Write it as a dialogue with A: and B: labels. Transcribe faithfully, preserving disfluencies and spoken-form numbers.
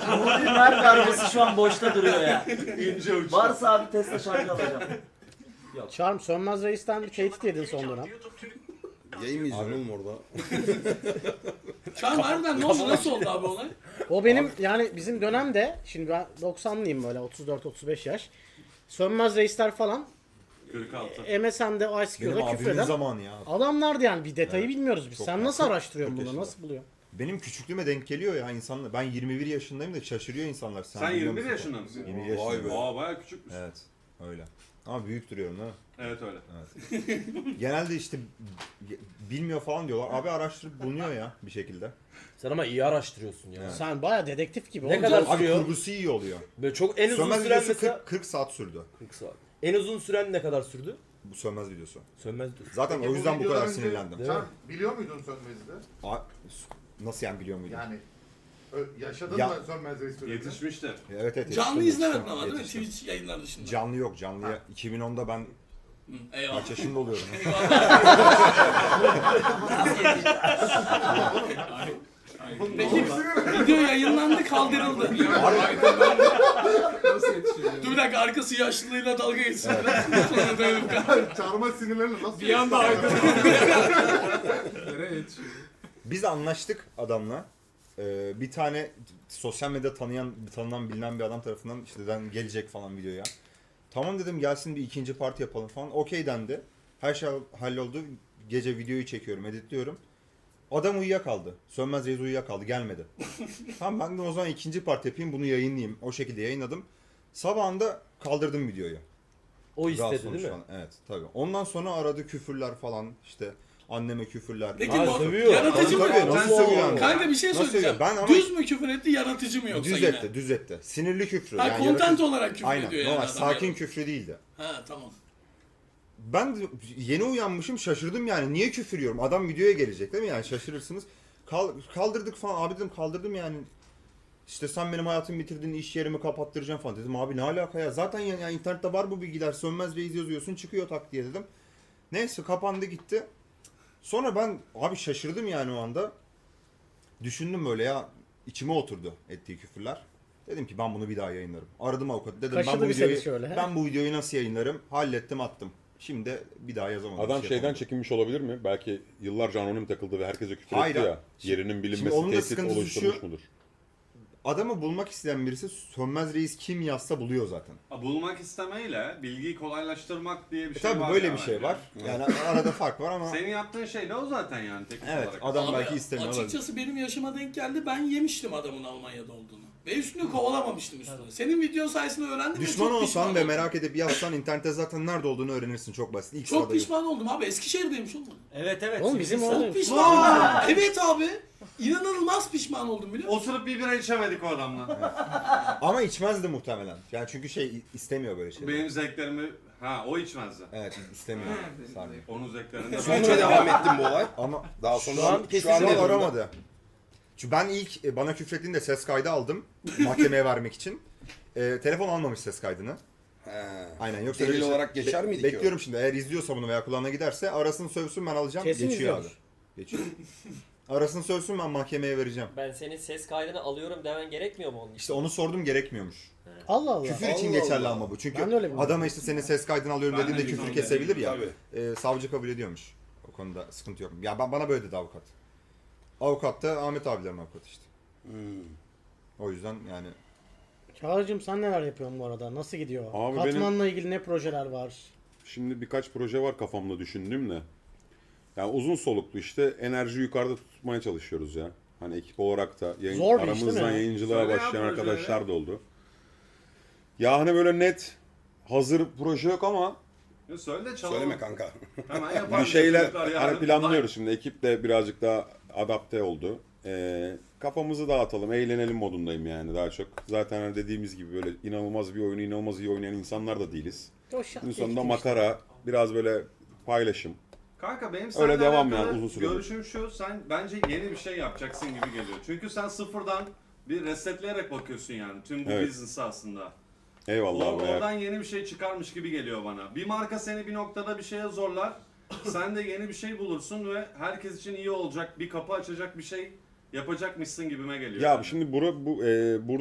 A: Muğla'nın her darbesi şu an boşta duruyor ya.
B: İnce uç.
A: Varsa abi Tesla şarkı alacağım.
C: Charm, Sönmez Reis'ten bir tehdit yedin son dönem.
D: Yayın mı izliyorsun oğlum orada?
E: Çağrı harbiden ne oldu? Nasıl oldu abi olay?
C: O benim yani bizim dönemde, şimdi ben doksanlıyım böyle otuz dört otuz beş yaş. Sönmez Reisler falan
B: kırk altı.
C: M S N'de
F: Benim
C: I C Q'da
F: abimin
C: küfreden
F: zamanı ya.
C: adamlardı yani, bir detayı bilmiyoruz biz.
F: Çok
C: Sen
F: ya,
C: nasıl
F: çok-
C: araştırıyorsun
F: çok
C: bunu?
F: yaşlı.
C: Nasıl buluyorsun?
F: Benim küçüklüğüme denk geliyor ya insanlar. Ben yirmi bir yaşındayım da şaşırıyor insanlar.
B: Sen
F: biliyor
B: yirmi bir
F: musun?
B: yaşında mısın?
F: yirmi bir
D: Vay
F: yaşındayım.
D: be.
B: Aa bayağı küçükmüş.
F: Evet. Öyle. Ama büyük duruyorum değil mi?
B: Evet öyle.
F: Genelde işte b- bilmiyor falan diyorlar. Abi araştırıp bulunuyor ya bir şekilde.
G: Sen ama iyi araştırıyorsun ya.
F: Evet.
C: Sen baya dedektif gibi.
G: Ne
C: oğlum.
G: kadar
F: Abi
G: sürüyor?
F: kurgusu iyi oluyor.
G: Böyle çok en uzun
F: Sönmez
G: süren
F: videosu
G: mesela
F: kırk, kırk saat sürdü.
G: kırk saat. En uzun süren ne kadar sürdü?
F: Bu sönmez videosu.
G: Sönmez diyorsun.
F: Zaten
H: Peki
F: o yüzden bu kadar
H: videodan önce
F: sinirlendim.
G: Değil
H: Sen
G: mi?
H: biliyor muydun Sönmez'i?
F: A- Nasıl yani biliyor muydun?
H: Yani ö- yaşadın
F: Ya-
H: mı Sönmez Reis sürecini?
B: Yetişmiştir.
F: Evet evet.
E: Canlı
F: yetiştim,
E: izlemedin
F: yetiştim,
E: ama değil mi?
F: yetiştim.
E: Twitch yayınları dışında.
F: Canlı yok. Canlıya iki bin onda ben
E: Hı, eyvallah.
F: kaç yaşında oluyorum?
E: Peki video yayınlandı kaldırıldı. Dur bir dakika, arkası yaşlılığıyla dalga geçsin. Sonra dönüp kalk.
H: Çarma sinirlerini nasıl
E: Bir anda
H: yetiştirdin?
F: Biz anlaştık adamla. Ee, bir tane sosyal medya tanıyan, tanınan, bilinen bir adam tarafından işte den gelecek falan videoya. Tamam dedim, gelsin bir ikinci parti yapalım falan. Okey dendi. Her şey halloldu. Gece videoyu çekiyorum, editliyorum. Adam uyuyakaldı. Sönmez Reis uyuyakaldı, gelmedi. Tamam ben de o zaman ikinci parti yapayım, bunu yayınlayayım. O şekilde yayınladım. Sabahında kaldırdım videoyu.
G: O
F: Rahatsız
G: istedi değil mi?
F: olmuş falan. Evet tabii. Ondan sonra aradı küfürler falan, işte anneme küfürler.
E: Peki
G: Ha,
E: bu
G: sövüyor.
E: yaratıcı mı?
F: Tabii, tabii, nasıl sövüyor yani?
E: Kanka bir şey
F: Nasıl
E: söyleyeceğim.
F: sövüyor? Ben ama-
E: Düz mü küfür etti, yaratıcı mı yoksa
F: Düz
E: yine?
F: etti, düz etti. Sinirli küfrü.
E: Ha,
F: yani
E: content
F: yaratıcı-
E: olarak küfür
F: Aynen,
E: ediyor yani
F: normal,
E: adam
F: sakin
E: yani.
F: küfrü değildi.
E: Ha tamam.
F: Ben de yeni uyanmışım, şaşırdım yani. Niye küfür yiyorum? Adam videoya gelecek değil mi yani, şaşırırsınız. Kal- kaldırdık falan, abi dedim kaldırdım yani. İşte sen benim hayatımı bitirdin, iş yerimi kapattıracaksın falan dedim. Abi ne alaka ya? Zaten yani, yani internette var bu bilgiler. Sönmez Reis yazıyorsun, çıkıyor tak diye dedim. Neyse kapandı gitti. Sonra ben abi şaşırdım yani o anda. Düşündüm böyle ya, içime oturdu ettiği küfürler. Dedim ki ben bunu bir daha yayınlarım. Aradım avukatı, dedim ben
C: Kaşıdı
F: bu
C: bir seni
F: videoyu
C: şöyle.
F: ben bu videoyu nasıl yayınlarım? Hallettim, attım. Şimdi bir daha yazamadım.
I: Adam
F: bir şey
I: şeyden
F: yapamadım.
I: çekinmiş olabilir mi? Belki yıllarca anonim takıldı ve herkese küfür
F: Hayır,
I: etti ya.
F: şimdi-
I: Yerinin
F: şimdi
I: bilinmesi
F: onun da
I: tehdit
F: sıkıntısı
I: oluşturmuş
F: şu-
I: mudur?
F: Adamı bulmak isteyen birisi Sönmez Reis kim yazsa buluyor zaten.
B: Ha, bulmak istemeyle bilgiyi kolaylaştırmak diye bir
F: E
B: şey
F: tabii
B: var.
F: böyle
B: ya
F: bir şey
B: bence.
F: var. Yani arada fark var ama
B: Senin yaptığın şey de o zaten yani teknik
F: evet,
B: olarak.
F: adam
E: Abi,
F: belki istemiyor olabilir.
E: açıkçası benim yaşıma denk geldi. Ben yemiştim adamın Almanya'da olduğunu. Ve üstünü kovalamamıştım üstüne. Senin video sayesinde öğrendim ve
F: Düşman
E: çok pişman
F: olsan ve
E: oldum.
F: merak edip yazsan internette zaten nerede olduğunu öğrenirsin, çok basit. İlk
E: Çok
F: sırada
E: pişman oldum abi. Eskişehir'deymiş oğlum.
A: Evet evet.
C: Oğlum bizim
A: Sivrisar.
C: orada-
E: Çok pişman oldum. Evet abi. İnanılmaz pişman oldum biliyor musun?
B: Oturup bir bira içemedik o adamla.
F: Ama içmezdi muhtemelen. Yani çünkü şey istemiyor böyle şeyleri.
B: Benim zevklerimi... Ha o içmezdi.
F: Evet istemiyor. Saniye.
B: Onun zevklerini...
D: Sürece devam ettim bu olay.
F: Ama
D: Daha sonra
G: Şu an
D: şu
G: kesin
D: an
F: şu
D: ne
F: an
D: durumda?
F: aramadı. Çünkü ben ilk e, bana küfrettiğinde ses kaydı aldım mahkemeye vermek için. E, telefon almamış ses kaydını.
D: He.
F: Aynen, yoksa
D: Delil
F: böyle şey-
D: olarak geçer
F: Be-
D: miydi ki o?
F: Bekliyorum şimdi, eğer izliyorsa bunu veya kulağına giderse arasın sövsün, ben alacağım.
C: Kesin
F: Geçiyor abi.
C: izliyordur.
F: Geçiyor. Arasın sövsün, ben mahkemeye vereceğim.
J: Ben senin ses kaydını alıyorum demen gerekmiyor mu onun için?
F: İşte onu sordum, gerekmiyormuş.
C: Allah Allah.
F: Küfür için
D: Allah
F: geçerli
D: Allah.
F: ama bu. Çünkü
C: Ben de öyle biliyorum.
F: adama işte senin ses kaydını alıyorum
B: Ben de
F: dediğinde
B: biliyorum,
F: küfür kesebilir ya.
D: Tabii.
F: E, savcı kabul ediyormuş. O konuda sıkıntı yok. Ya ben, bana böyle dedi avukat. Avukat da Ahmet abilerin avukatı işte.
D: Hmm.
F: O yüzden yani
C: Çağrı'cığım sen neler yapıyorsun bu arada? Nasıl gidiyor?
I: Abi
C: Katmanla ilgili ne projeler var?
I: Şimdi birkaç proje var kafamda düşündüğüm de. Yani uzun soluklu işte enerji yukarıda tutmaya çalışıyoruz ya. Hani ekip olarak da yayın,
C: Zor bir iş değil
I: aramızdan
C: mi?
I: yayıncılığa
B: Söyle ya
I: başlayan
B: projeleri.
I: arkadaşlar da oldu. Ya hani böyle net hazır proje yok ama
B: Ya söyle de çalalım.
D: Söyleme kanka.
B: Hemen yapalım.
I: bir şeyler
B: Çocuklar yarın-
I: hani planlıyoruz şimdi. Ekip de birazcık daha adapte oldu. Ee, kafamızı dağıtalım, eğlenelim modundayım yani daha çok. Zaten hani dediğimiz gibi böyle inanılmaz bir oyunu inanılmaz iyi oynayan insanlar da değiliz.
C: O şart
I: Günün sonunda
C: geçti işte.
I: makara, biraz böyle paylaşım.
B: Kanka benim
I: Öyle
B: seninle
I: devam
B: alakalı
I: yani uzun süredir.
B: görüşüm şu, sen bence yeni bir şey yapacaksın gibi geliyor. Çünkü sen sıfırdan bir resetleyerek bakıyorsun yani tüm bu
I: Evet.
B: business'a aslında.
I: Eyvallah
B: Or-
I: abi. eğer-
B: oradan yeni bir şey çıkarmış gibi geliyor bana. Bir marka seni bir noktada bir şeye zorlar. Sen de yeni bir şey bulursun ve herkes için iyi olacak, bir kapı açacak bir şey yapacakmışsın gibime geliyor.
I: Ya
B: yani.
I: şimdi bura, bu, e, burada